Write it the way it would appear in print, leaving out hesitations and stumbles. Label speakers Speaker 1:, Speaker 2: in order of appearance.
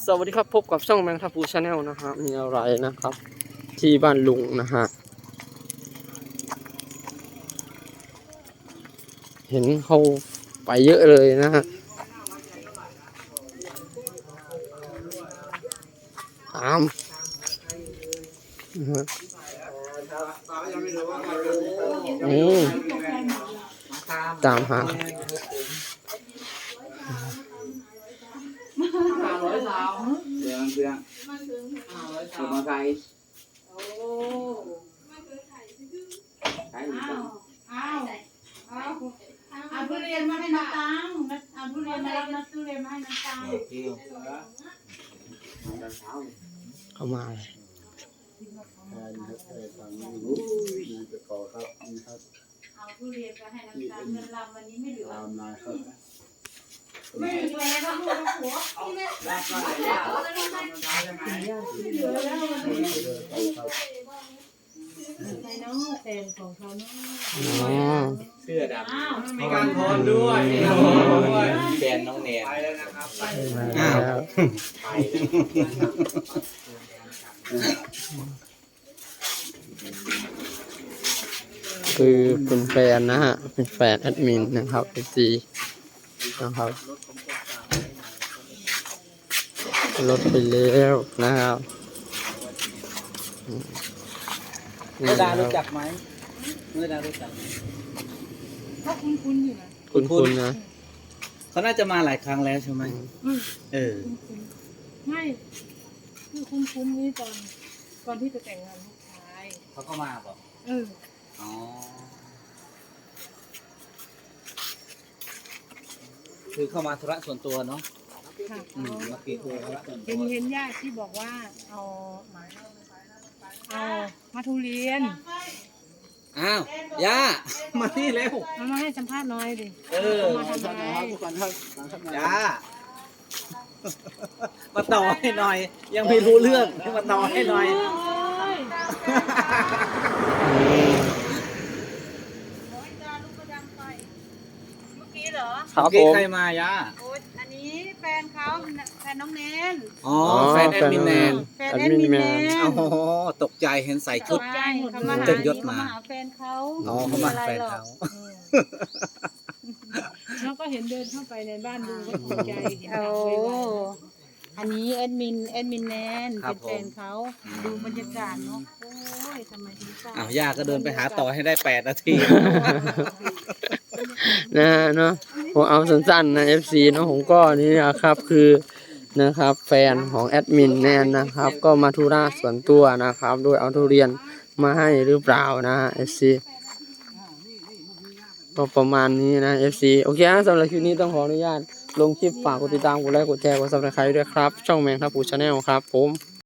Speaker 1: สวัสดีครับพบกับช่องแมงทัพูชาแนลนะฮะมีอะไรนะครับที่บ้านลุงนะฮะเห็นเขาไปเยอะเลยนะฮะตามนะฮะตามหา
Speaker 2: มาไกล
Speaker 3: เอาทุเรียนมาให้น้ำตังเอาทุเรียนมารับทุเรียนมาให้น้ำตัง
Speaker 1: เข้ามา
Speaker 3: เอาทุเรียนไปให้น้ำตังเงินรำวันนี้ไม่เหลือ
Speaker 2: ครับ
Speaker 3: ไม่เหลือแล้วลูกหัวในน้องแฟนของเขาเนาะ
Speaker 2: เสื้อดำมีการพรด้วยแฟนน้องเนนไปแล้วนะครับ
Speaker 1: คือเป็นแฟนนะฮะเป็นแฟนแอดมินนะครับจีนะครับรถไปแล้วนะครับ
Speaker 2: เมื่อดารู้จักไหมเมื่อดารู้จัก
Speaker 3: เขาคุ้นๆอยู่นะ
Speaker 1: คุ้นๆนะ
Speaker 2: เขาน่าจะมาหลายครั้งแล้วใช่ไหม
Speaker 3: ไม่คือคุ้นๆนี่ตอนที่จะแต่งงานลูกชาย
Speaker 2: เขาก็มาบอกอ๋อคือเข้ามาธุระส่วนตัวเนาะ
Speaker 3: ค่ะ
Speaker 2: เมื่อกี้คุยธุระส่วนตัว
Speaker 3: เห็นญาติที่บอกว่าเอามาทุเรียน
Speaker 2: อ้าวย่ามาที่เร็ว
Speaker 3: มาให้สัมภาษณ์หน่อยดิมาทำอะไร
Speaker 2: ย่ามาต่อให้หน่อยยังไม่รู้เรื่องมาต่อให้หน่อย
Speaker 3: เมื่อกี้เหรอ
Speaker 1: ครับผม
Speaker 2: ใครมาย่า
Speaker 3: อันนี้แฟนเขาแฟนน้องเนน
Speaker 2: อ๋อแฟนแอดมินแนน
Speaker 3: แฟนแอดมินแนน
Speaker 2: โอ้ตกใจเห็นใส่ชุด
Speaker 3: เต็มยศมาหาแฟนเขา
Speaker 2: อ๋อเขามาแฟนเขา
Speaker 3: แล้วก็เห็นเดินเข้าไปในบ้านดูก็ตกใจเห็นอันนี้แอดมินแนนเป็นแฟนเขาดูบรรยากาศเนาะโอ้ยทำไมถึงทราบ
Speaker 2: ย่าก็เดินไปหาต่อให้ได้8 นาที
Speaker 1: นะเนาะผมเอาสั้นๆนะ FC เนาะผมก็นี่นะครับคือนะครับแฟนของแอดมินแนนนะครับก็มาธุระส่วนตัวนะครับโดยเอาทุเรียนมาให้หรือเปล่านะ FC ก็ประมาณนี้นะ FC โอเคสำหรับคลิปนี้ต้องขออนุญาตลงคลิปฝากกดติดตามกดไลค์กดแชร์กด Subscribe ด้วยครับช่องแมงทัพูชาแนลครับผม